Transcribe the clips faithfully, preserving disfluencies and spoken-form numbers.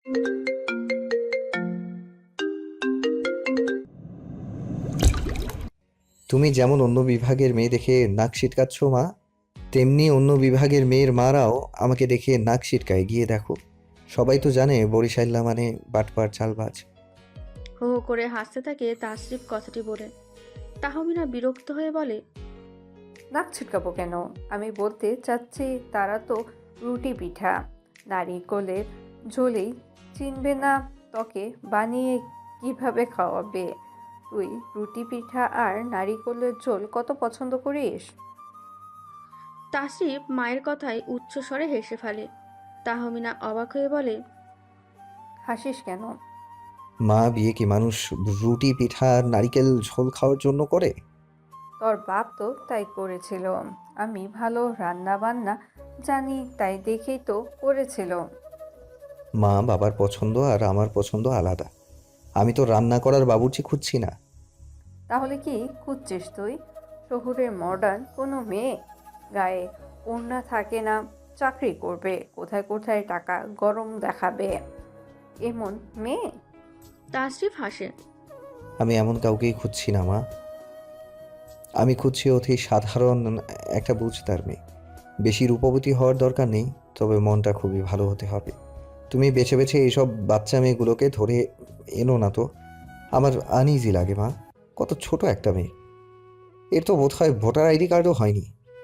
তুমি যেমন অন্য বিভাগের মেয়ে দেখে নাক সিটকাচ্ছ মা, তেমনি অন্য বিভাগের মেয়ের মারাও আমাকে দেখে নাক সিটকায়। গিয়ে দেখো, সবাই তো জানে বরিশাল্লা মানে বাটপার চালবাজ। হো হো করে হাসতে থাকে তাসরিফ কথাটি বলে। তাহমিনা বিরক্ত হয়ে বলে, নাক ছিটকাবো কেন? আমি বলতে চাচ্ছি তারা তো রুটি পিঠা নারিকলের ঝোলেই চিনবে না, তোকে বানিয়ে কিভাবে খাওয়াবে? তুই রুটি পিঠা আর নারিকলের ঝোল কত পছন্দ করিস? তাসরিফ মায়ের কথায় উচ্চস্বরে হেসে ফেলে। তাহমিনা অবাক হয়ে বলে, হাসিস কেন? মা, বিয়ে কি মানুষ রুটি পিঠা আর নারিকেল ঝোল খাওয়ার জন্য করে? তোর বাপ তো তাই করেছিল। আমি ভালো রান্না বান্না জানি তাই দেখেই তো করেছিল। মা, বাবার পছন্দ আর আমার পছন্দ আলাদা। আমি তো রান্না করার বাবুর্চি খুঁজছি না। তাহলে কি খুঁজছিস তুই? শহুরের মডার্ন কোনো মেয়ে, গায়ে ওড়না থাকে না, চাকরি করবে, কোথায় কোথায় টাকা গরম দেখাবে, এমন মেয়ে? তাসরিফ হাসে। আমি এমন কাউকেই খুঁজছি না মা। আমি খুঁজছি অতি সাধারণ একটা বুঝতার মেয়ে। বেশি রূপবতী হওয়ার দরকার নেই, তবে মনটা খুবই ভালো হতে হবে। তুমি বেছে বেছে এইসব বাচ্চা মেয়েগুলোকে ধরে এনো না তো, আমার আনইজি লাগে মা। কত ছোট একটা মেয়ে, এর তো বোধ হয় ভোটার আইডি কার্ডও হয়নি।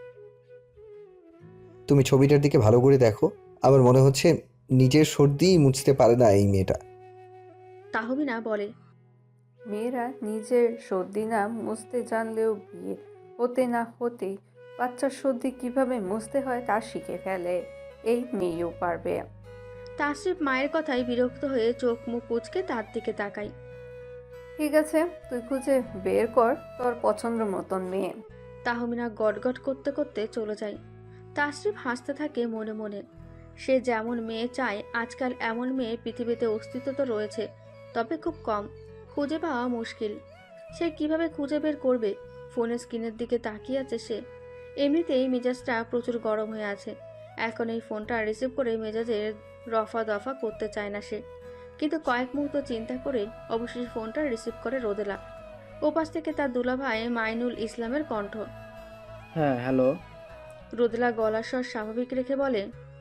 তুমি ছবিটার দিকে ভালো করে দেখো, আমার মনে হচ্ছে নিজের সর্দিই মুছতে পারে না এই মেয়েটা। তাহমিনা বলে, মেয়েরা নিজের সর্দি না মুছতে জানলেও বিয়ে হতে না হতেই বাচ্চার সর্দি কিভাবে মুছতে হয় তা শিখে ফেলে। এই মেয়েও পারবে। তাসরিফ মায়ের কথায় বিরক্ত হয়ে চোখ মুখ কুঁচকে তার দিকে তাকায়। ঠিক আছে, তুই খুঁজে বের কর তোর পছন্দ মতন মেয়ে। তাহমিনা গটগট করতে করতে চলে যায়। তাসরিফ হাসতে থাকে মনে মনে। সে যেমন মেয়ে চায়, আজকাল এমন মেয়ে পৃথিবীতে অস্তিত্ব তো রয়েছে, তবে খুব কম, খুঁজে পাওয়া মুশকিল। সে কিভাবে খুঁজে বের করবে? ফোনের স্ক্রিনের দিকে তাকিয়ে আছে সে। এমনিতেই মেজাজটা প্রচুর গরম হয়ে আছে। এখন এই ফোনটা রিসিভ করে মেজাজের রফা দফা করতে চায় না সে, কিন্তু কয়েক মুহূর্ত চিন্তা করে অবশেষে ফোনটা রিসিভ করে রোদেলা। ওপাশ থেকে তার দুলাভাই মাইনুল ইসলামের কণ্ঠ। হ্যাঁ, হ্যালো। রোদেলা গলার স্বর স্বাভাবিক রেখে বলে,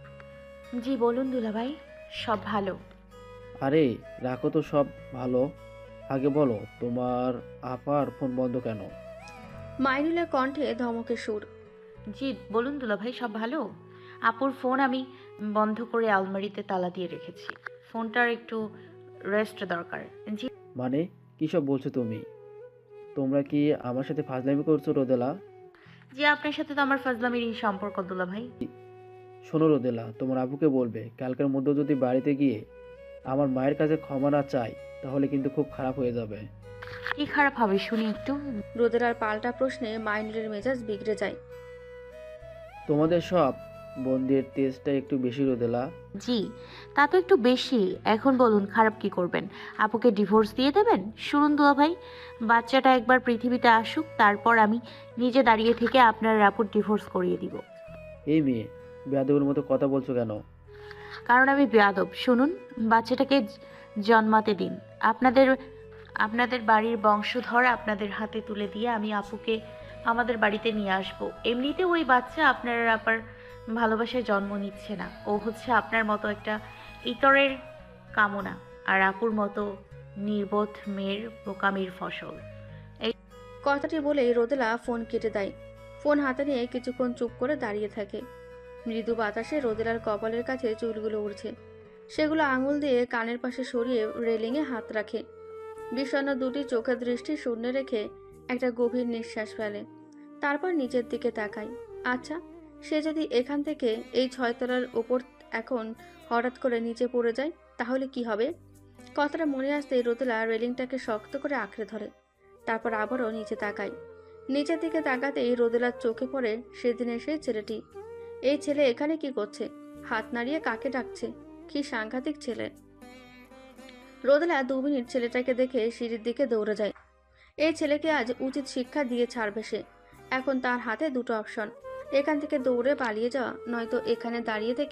জি বলুন দুলাভাই, সব ভালো। আরে রাখো তো সব ভালো, আগে বলো তোমার আপার ফোন বন্ধ কেন? মাইনুলের কণ্ঠে ধমকের সুর। জি বলুন দুলাভাই, সব ভালো। আপুর ফোন আমি বন্ধ করে আলমারিতে তালা দিয়ে রেখেছি। ফোনটার একটু রেস্ট দরকার। জি মানে কী সব বলছো তুমি? তোমরা কি আমার সাথে ফাজলামি করছো রোদেলা? জি আপনার সাথে তো আমার ফাজলামিরই সম্পর্ক দুলাভাই। শোনো রোদেলা, তোমার আবুকে বলবে কালকের মধ্যে যদি বাড়িতে গিয়ে আমার মায়ের কাছে ক্ষমা না চাই তাহলে কিন্তু খুব খারাপ হয়ে যাবে। কি খারাপ হবে শুনি একটু। রোদেলার পাল্টা প্রশ্নে মাইনুলের মেজাজ বিগড়ে যায়। তোমাদের সব বন্দির তেজটা একটু বেশি রোদেলা। জি তা তো একটু বেশি। এখন বলুন খারাপ কি করবেন? আপুকে ডিভোর্স দিয়ে দেবেন? শুনুন দুলাভাই, বাচ্চাটা একবার পৃথিবীতে আসুক, তারপর আমি নিজে দাঁড়িয়ে থেকে আপনার আপুর ডিভোর্স করিয়ে দিব। এই মেয়ে, বেয়াদবের মতো কথা বলছো কেন? কারণ আমি বেয়াদব। শুনুন, বাচ্চাটাকে জ- জন্মাতে দিন। আপনাদের আপনাদের বাড়ির বংশধর আপনাদের হাতে তুলে দিয়ে আমি আপুকে আমাদের বাড়িতে নিয়ে আসব। এমনিতে ওই বাচ্চা আপনার আপার ভালোবাসায় জন্ম নিচ্ছে না। ও হচ্ছে আপনার মতো একটা ইতরের কামনা, আর আপুর মতো নির্বোধ মেয়ের বোকামির ফসল। কথাটি বলেই রোদেলা ফোন কেটে দেয়। ফোন হাতে নিয়ে কিছুক্ষণ চুপ করে দাঁড়িয়ে থাকে। মৃদু বাতাসে রোদেলার কপালের কাছে চুলগুলো উড়ছে। সেগুলো আঙুল দিয়ে কানের পাশে সরিয়ে রেলিংয়ে হাত রাখে। বিষণ্ণ দুটি চোখের দৃষ্টি শূন্য রেখে একটা গভীর নিঃশ্বাস ফেলে। তারপর নিচের দিকে তাকায়। আচ্ছা, সে যদি এখান থেকে এই ছয়তলার ওপর এখন হঠাৎ করে নিচে পড়ে যায় তাহলে কি হবে? কথাটা মনে আসতেই রোদেলা রেলিংটাকে শক্ত করে আঁকড়ে ধরে। তারপর আবারও নিচে তাকায়। নিচের দিকে তাকাতেই রোদেলার চোখে পড়ে সেদিনের সেই ছেলেটি। এই ছেলে এখানে কি করছে? হাত নাড়িয়ে কাকে ডাকছে? কি সাংঘাতিক ছেলে! রোদেলা দু মিনিট ছেলেটাকে দেখে সিঁড়ির দিকে দৌড়ে যায়। এই ছেলেকে আজ উচিত শিক্ষা দিয়ে ছাড়বে সে। এখন তার হাতে দুটো অপশন, এখান থেকে দৌড়ে পালিয়ে যাওয়া, নয়তো এখানে দাঁড়িয়ে থেকে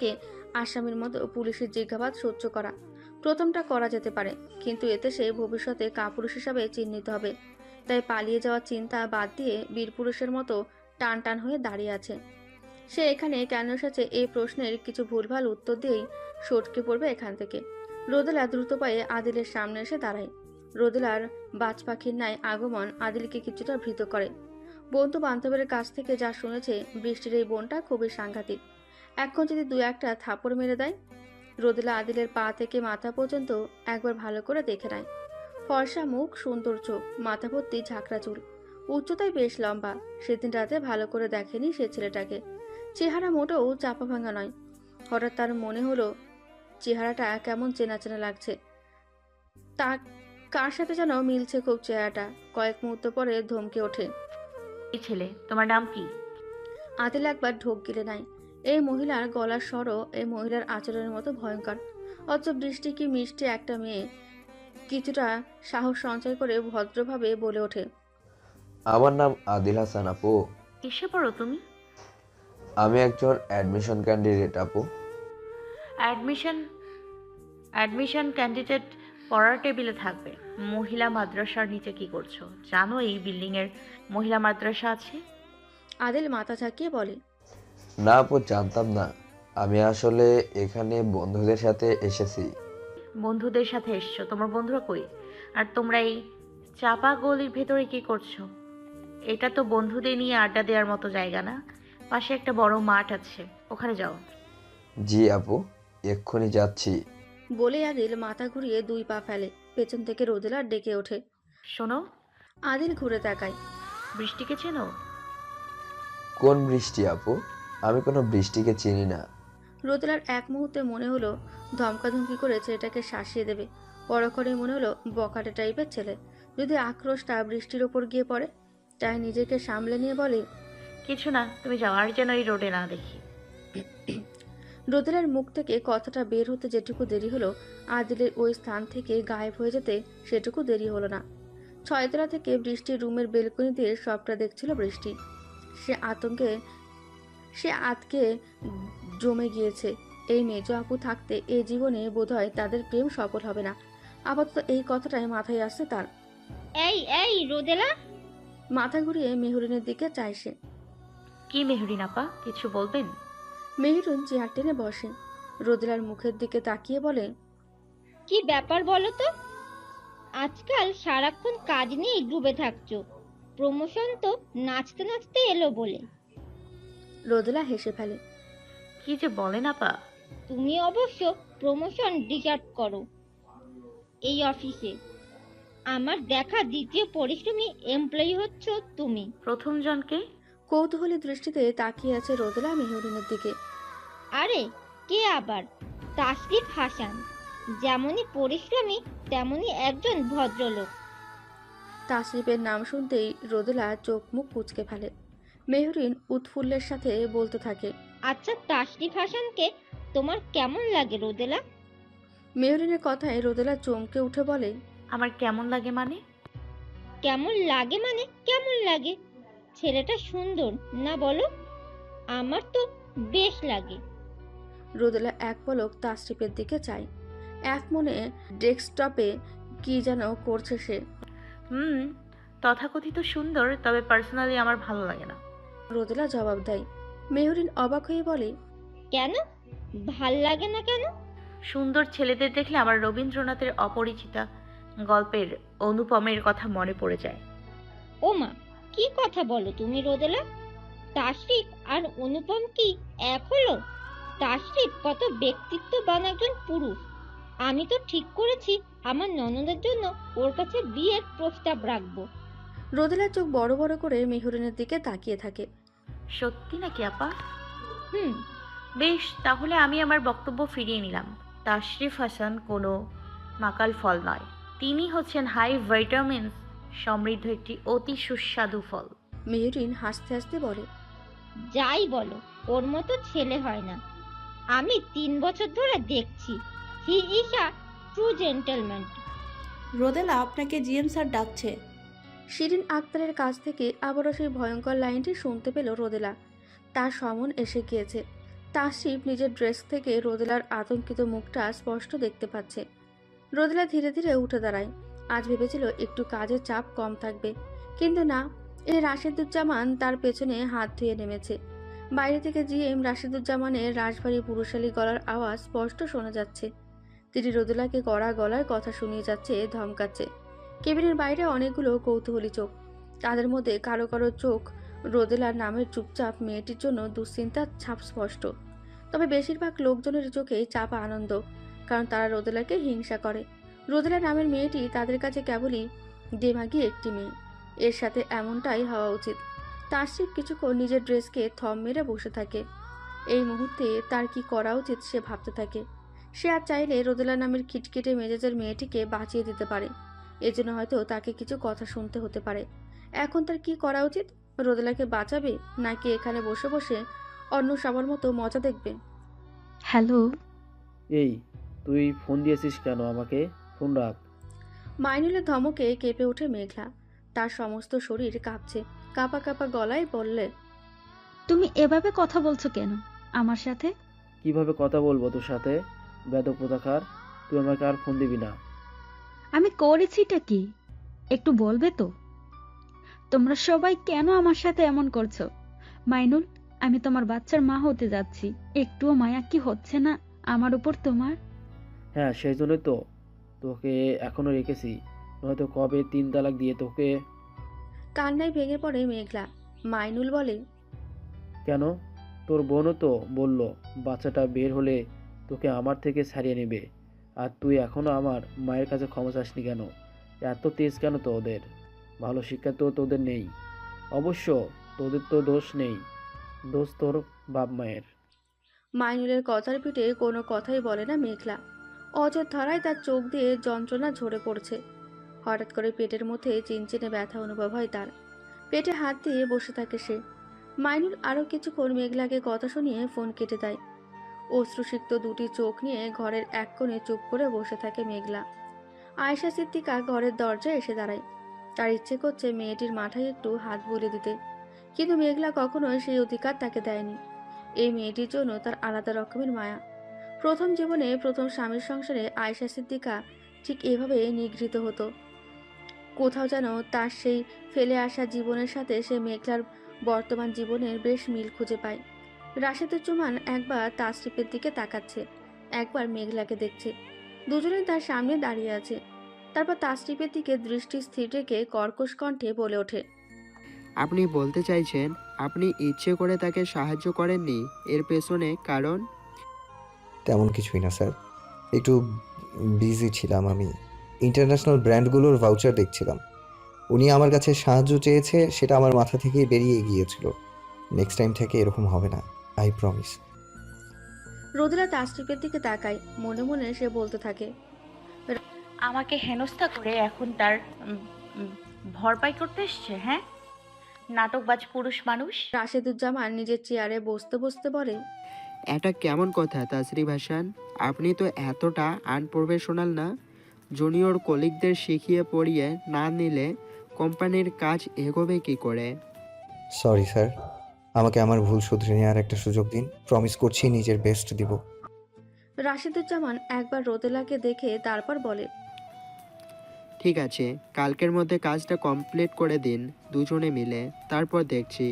আসামির মতো পুলিশের জিজ্ঞাসাবাদ সহ্য করা। প্রথমটা করা যেতে পারে, কিন্তু এতে সে ভবিষ্যতে কাপুরুষ হিসাবে চিহ্নিত হবে। তাই পালিয়ে যাওয়ার চিন্তা বাদ দিয়ে বীরপুরুষের মতো টান টান হয়ে দাঁড়িয়ে আছে। সে এখানে কেন এসেছে এই প্রশ্নের কিছু ভুলভাল উত্তর দিয়েই সটকে পড়বে এখান থেকে। রোদেলা দ্রুত পায়ে আদিলের সামনে এসে দাঁড়ায়। রোদেলার বাজ পাখির ন্যায় আগমন আদিলকে কিছুটা ভীত করে। বন্ধু বান্ধবের কাছ থেকে যা শুনেছে, বৃষ্টির এই বোনটা খুবই সাংঘাতিক। এখন যদি দু একটা থাপড় মেরে দেয়। রোদেলা আদিলের পা থেকে মাথা পর্যন্ত একবার ভালো করে দেখে নেয়। ফর্সা মুখ, সুন্দর চোখ, মাথা ভর্তি ঝাঁকড়া চুল, উচ্চতায় বেশ লম্বা। সেদিন রাতে ভালো করে দেখেনি সে ছেলেটাকে। চেহারা মোটেও চাপা ভাঙা নয়। হঠাৎ তার মনে হলো চেহারাটা কেমন চেনা চেনা লাগছে। তা কার সাথে যেন মিলছে খুব চেহারাটা। কয়েক মুহূর্ত পরে ধমকে ওঠে। এই ছেলে, তোমার নাম কি? আদিল একবার ঢোক গিলে নাই। এই মহিলার গলার স্বরও এই মহিলার আচরণের মতো ভয়ঙ্কর। অথচ বৃষ্টি কি মিষ্টি একটা মেয়ে। কিছুটা সাহস সঞ্চয় করে ভদ্রভাবে বলে ওঠে, আমার নাম আদিল হাসান আপু। এসে পড়ো তুমি। আমি একজন অ্যাডমিশন ক্যান্ডিডেট আপু। অ্যাডমিশন অ্যাডমিশন ক্যান্ডিডেট পড়ার টেবিলে থাকবে। মহিলা মাদ্রাসার নিচে কি করছো? জানো এই বিল্ডিং এর মহিলা মাদ্রাসা আছে? আদিল মাথা ঝাঁকিয়ে বলে, না আপু, জানতাম না। আমি আসলে এখানে বন্ধুদের সাথে এসেছি। বন্ধুদের সাথে এসছো? তোমার বন্ধুরা কই? আর তোমরা এই চাপা গলির ভেতরে কি করছো? এটা তো বন্ধুদের নিয়ে আড্ডা দেওয়ার মতো জায়গা না। পাশে একটা বড় মাঠ আছে, ওখানে যাও। জি আপু, এক্ষুনি যাচ্ছি। বলে আদিল মাথা ঘুরিয়ে দুই পা ফেলে। পেছন থেকে রোদেলা ডেকে ওঠে। শোনো, আদিল ঘুরে তাকায়। বৃষ্টিকে চেনো? কোন বৃষ্টি আপু? আমি কোনো বৃষ্টিকে চিনি না। রোদেলার এক মুহূর্তে মনে হলো ধমকাধমকি করে ছেলেটাকে শাসিয়ে দেবে। পরক্ষণে মনে হলো বকাটে টাইপের ছেলে। যদি আক্রোশটা বৃষ্টির ওপর গিয়ে পড়ে। তাই নিজেকে সামলে নিয়ে বলে, কিছু না, তুমি যাও, আর যেন এই রোডে না দেখি। রোদেলার মুখ থেকে কথাটা বের হতে যেটুকু দেরি হলো, আদিলের ওই স্থান থেকে গায়েব হয়ে যেতে সেটুকু দেরি হলো না। ছয়তলা থেকে বৃষ্টির রুমের বেলকনি দিয়ে সবটা দেখছিল বৃষ্টি। সে আতঙ্কে সে আতকে জমে গিয়েছে। এই মেজ আপু থাকতে এই জীবনে বোধহয় তাদের প্রেম সফল হবে না। আপাতত এই কথাটাই মাথায় আসছে তার। এই এই রোদেলা, মাথা ঘুরিয়ে মেহরিনের দিকে চায় সে। কি মেহরিন আপা, কিছু বলবেন? মেহরিন চেয়ার টেনে বসে। রোদেলার মুখের দিকে তাকিয়ে বলে, কি ব্যাপার বলো তো? আজকাল সারাক্ষণ কাজ নিয়েই ডুবে থাকছো। প্রমোশন তো নাচতে নাচতে এলো বলে। রোদেলা হেসে ফেলে। কি যে বলেন আপা। তুমি অবশ্য প্রমোশন ডিজার্ভ করো এই অফিসে। আমার দেখা দ্বিতীয় পরিশ্রমী এমপ্লয়ি হচ্ছ তুমি। প্রথম জনকে? কৌতূহলী দৃষ্টিতে তাকিয়ে আছে রোদেলা মেহরিনের দিকে। আরে কে আবার? তাসরিফ হাসান। যেমনই পরিশ্রমী তেমনই একজন ভদ্রলোক। তাসরিফের নাম শুনতেই রোদেলা চোখ মুখ কুঁচকে ফেলে। মেহরিন উৎফুল্লের সাথে বলতে থাকে, আচ্ছা, তাসরিফ হাসানকে তোমার কেমন লাগে রোদেলা? মেহরিনের কথায় রোদেলা চমকে উঠে বলে, আমার কেমন লাগে মানে? কেমন লাগে মানে কেমন লাগে? ছেলেটা সুন্দর না বলো? আমার তো বেশ লাগে। রোদেলা এক পলক তাসরিফের দিকে চায়। এক মনে ডেস্কটপে কি যেন করছে সে। হুম, তথাকথিত সুন্দর, তবে পার্সোনালি আমার ভালো লাগে না। রোদেলা জবাব দেয়। মেহরিন অবাক হয়ে বলে, কেন ভাল লাগে না কেন? সুন্দর ছেলেদের দেখলে আমার রবীন্দ্রনাথের অপরিচিতা গল্পের অনুপমের কথা মনে পড়ে যায়। ও মা, কি কথা বলো তুমি রোদেলা? তাসরিফ আর অনুপম কি এক হলো? তাসরিফ কত ব্যক্তিত্ববান একজন পুরুষ। আমি তো ঠিক করেছি আমার ননদের জন্য ওর কাছে বিয়ের প্রস্তাব রাখবো। রোদেলার চোখ বড় বড় করে মেহরিনের দিকে তাকিয়ে থাকে। সত্যি নাকি আপা? হুম। বেশ, তাহলে আমি আমার বক্তব্য ফিরিয়ে নিলাম। তাশরিফ হাসান কোনো মাকাল ফল নয়। তিনি হচ্ছেন হাই ভিটামিনস সমৃদ্ধ একটি অতি সুস্বাদু ফল। মেহরিন হাসতে হাসতে বলে, যাই বলো, ওর মতো ছেলে হয় না। আমি তিন বছর ধরে দেখছি। He is a true gentleman. Rodela, আপনাকে জিএম স্যার ডাকছে। শিরিন আক্তারের কাছ থেকে আবারও সেই ভয়ঙ্কর লাইনটি শুনতে পেল রোদেলা। তার সমন এসে গিয়েছে। তাসরিফ নিজের ড্রেস থেকে রোদেলার আতঙ্কিত মুখটা স্পষ্ট দেখতে পাচ্ছে। রোদেলা ধীরে ধীরে উঠে দাঁড়ায়। আজ ভেবেছিল একটু কাজের চাপ কম থাকবে, কিন্তু না। এই রাশেদুজ্জামান তার পেছনে হাত ধুয়ে নেমেছে। বাইরে থেকে জিএম রাশেদুজ্জামানের রাশভারী পুরুষালী গলার আওয়াজ স্পষ্ট শোনা যাচ্ছে। তিনি রোদেলাকে কড়া গলার কথা শুনিয়ে যাচ্ছে, ধমকাচ্ছে। কেবিনের বাইরে অনেকগুলো কৌতূহলী চোখ। তাদের মধ্যে কারো কারো চোখ রোদেলার নামের চুপচাপ মেয়েটির জন্য দুশ্চিন্তার ছাপ স্পষ্ট। তবে বেশিরভাগ লোকজনের চোখেই চাপা আনন্দ, কারণ তারা রোদেলাকে হিংসা করে। রোদেলা নামের মেয়েটি তাদের কাছে কেবলই দেমাগি একটি মেয়ে। এর সাথে এমনটাই হওয়া উচিত। তাসরিফ কিছুক্ষণ নিজের ড্রেসকে থম মেরে বসে থাকে। এই মুহূর্তে তার কি করা উচিত সে ভাবতে থাকে। সে আর চাইলে রোদেলা নামের খিটখিটে মেজাজের মেয়েটিকে বাঁচিয়ে দিতে পারে। এজন্য হয়তো তাকে কিছু কথা শুনতে হতে পারে। এখন তার কি করা উচিত? রোদেলাকে বাঁচাবে, নাকি এখানে বসে বসে অন্য সবার মতো মজা দেখবে? হ্যালো। এই, তুই ফোন দিয়েছিস কেন আমাকে? ফোন রাখ। মাইনুলের ধমকে কেঁপে ওঠে মেঘলা। তার সমস্ত শরীর কাঁপছে। কাঁপা কাঁপা গলায় বললে, তুমি এভাবে কথা বলছো কেন আমার সাথে? কিভাবে কথা বলবো তোর সাথে? বেদক প্রতাকার, তুই আমাকে আর ফোন দিবি না। আমি করেছিটা কি একটু বলবে তো? তোমরা সবাই কেন আমার সাথে এমন করছো? মাইনুল, আমি তোমার বাচ্চার মা হতে যাচ্ছি। একটুও মায়া কি হচ্ছে না আমার উপর তোমার? হ্যাঁ, সেই জন্যই তো তোকে এখনো রেখেছি, নয়তো কবে তিন তালাক দিয়ে তোকে। কান্নায় ভেঙে পড়ে মেঘলা। মাইনুল বলে, কেন? তোর বোনও তো বলল বাচ্চাটা বের হলে তোকে আমার থেকে ছাড়িয়ে নেবে, আর তুই এখনো আমার মায়ের কাছে ক্ষমা চাসনি কেন? এত তেজ কেন তোদের? ভালো শিক্ষা তো তোদের নেই। অবশ্য তোদের তো দোষ নেই, দোষ তোর বাপ মায়ের। মাইনুলের কথার পিঠে কোনো কথাই বলে না মেঘলা। অজর ধরায় তার চোখ দিয়ে যন্ত্রণা ঝরে পড়ছে। হঠাৎ করে পেটের মধ্যে চিনচিনে ব্যথা অনুভব হয় তার। পেটে হাত দিয়ে বসে থাকে সে। মাইনুল আরও কিছুক্ষণ মেঘলাকে কথা শুনিয়ে ফোন কেটে দেয়। অশ্রুসিক্ত দুটি চোখ নিয়ে ঘরের এক কোণে চুপ করে বসে থাকে মেঘলা। আয়েশা সিদ্দিকা ঘরের দরজায় এসে দাঁড়ায়। তার ইচ্ছে করছে মেয়েটির মাথায় একটু হাত বুলিয়ে দিতে, কিন্তু মেঘলা কখনোই সেই অধিকার তাকে দেয়নি। এই মেয়েটির জন্য তার আলাদা রকমের মায়া। প্রথম জীবনে প্রথম স্বামীর সংসারে আয়েশা সিদ্দিকা ঠিক এভাবে নিগৃহীত হতো। কোথাও যেন তার সেই ফেলে আসা জীবনের সাথে সে মেঘলার বর্তমান জীবনের বেশ মিল খুঁজে পায়। রাশেদুজ্জামান একবার তাসরিফের দিকে তাকাচ্ছে, একবার মেঘলাকে দেখছে। দুজনেই তার সামনে দাঁড়িয়ে আছে। তারপর তাসরিফের দিকে দৃষ্টি স্থির রেখে কর্কশ কণ্ঠে বলে ওঠে, আপনি বলতে চাইছেন আপনি ইচ্ছে করে তাকে সাহায্য করেননি, এর পেছনে কারণ? তেমন কিছুই না স্যার, একটু বিজি ছিলাম। আমি ইন্টারন্যাশনাল ব্র্যান্ডগুলোর ভাউচার দেখছিলাম। উনি আমার কাছে সাহায্য চেয়েছে, সেটা আমার মাথা থেকেই বেরিয়ে গিয়েছিল। নেক্সট টাইম থেকে এরকম হবে না, আই প্রমিস। রোদেলা তাসরিফের দিকে তাকায়। মনে মনে সে বলতে থাকে, আমাকে হেনস্থা করে এখন তার উম, উম, ভরপাই করতে এসছে। হ্যাঁ, নাটকবাজ পুরুষ মানুষ। রাশেদুজ্জামান নিজের চেয়ারে বসতে বসতে বলে, এটা কেমন কথা তাসরিফ হাসান? আপনি তো এতটা আনপ্রফেশনাল না। জুনিয়র কলিগদের শিখিয়ে পড়িয়ে না নিলে কোম্পানির কাজ এগোবে কি করে? সরি স্যার, আমাকে আমার ভুল শুধরে নেওয়ার একটা সুযোগ দিন। প্রমিস করছি নিজের বেস্ট দিব। রাশেদুজ্জামান একবার রোদেলাকে দেখে তারপর বলে, ঠিক আছে, কালকের মধ্যে কাজটা কমপ্লিট করে দিন দুজনে মিলে, তারপর দেখছি।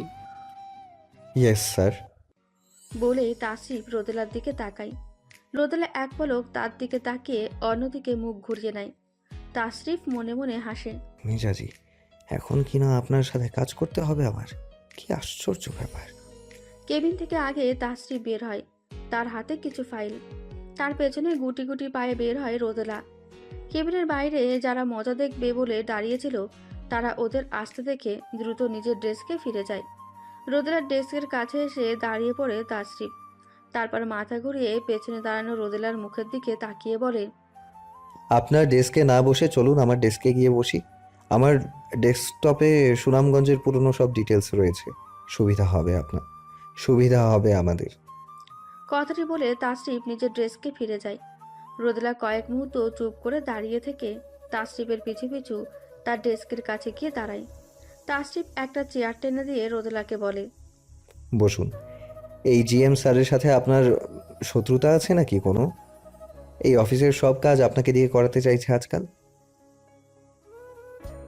Yes sir. বলে তাসরিফ রোদেলার দিকে তাকায়। রোদেলা এক পলক তার দিকে তাকিয়ে অন্যদিকে মুখ ঘুরিয়ে নেয়। তাসরিফ মনে মনে হাসে। মিজাজি, এখন কি না আপনার সাথে কাজ করতে হবে আমার? কি আশ্চর্য ব্যাপার। কেবিন থেকে আগে তাসরিফ বের হয়, তার হাতে কিছু ফাইল। তার পেছনে গুটি গুটি পায়ে বের হয় রোদেলা। কেবিনের বাইরে যারা মজা দেখবে বলে দাঁড়িয়েছিল, তারা ওদের আসতে দেখে দ্রুত নিজের ডেস্কে ফিরে যায়। রোদেলার ডেস্কের কাছে এসে দাঁড়িয়ে পড়ে তাসরিফ। তারপর মাথা ঘুরিয়ে পেছনে দাঁড়ানো রোদেলার মুখের দিকে তাকিয়ে বলে, আপনার ডেস্কে না বসে চলুন আমার ডেস্কে গিয়ে বসি। আমার ডেস্কটপে সুনামগঞ্জের পুরনো সব ডিটেলস রয়েছে। সুবিধা হবে আপনার, সুবিধা হবে আমাদের। কথাটি বলে তাসরিফ নিজের ডেস্কে ফিরে যায়। রোদেলা কয়েক মুহূর্ত চুপ করে দাঁড়িয়ে থেকে তাসরিফের পিছু পিছু তার ডেস্কের কাছে গিয়ে দাঁড়ায়। তাসরিফ একটা চেয়ার টেনে দিয়ে রোদেলাকে বলে, বসুন। এই জিএম স্যারের সাথে আপনার শত্রুতা আছে নাকি কোনো? এই অফিসের সব কাজ আপনাকে দিয়ে করাতে চাইছে আজকাল।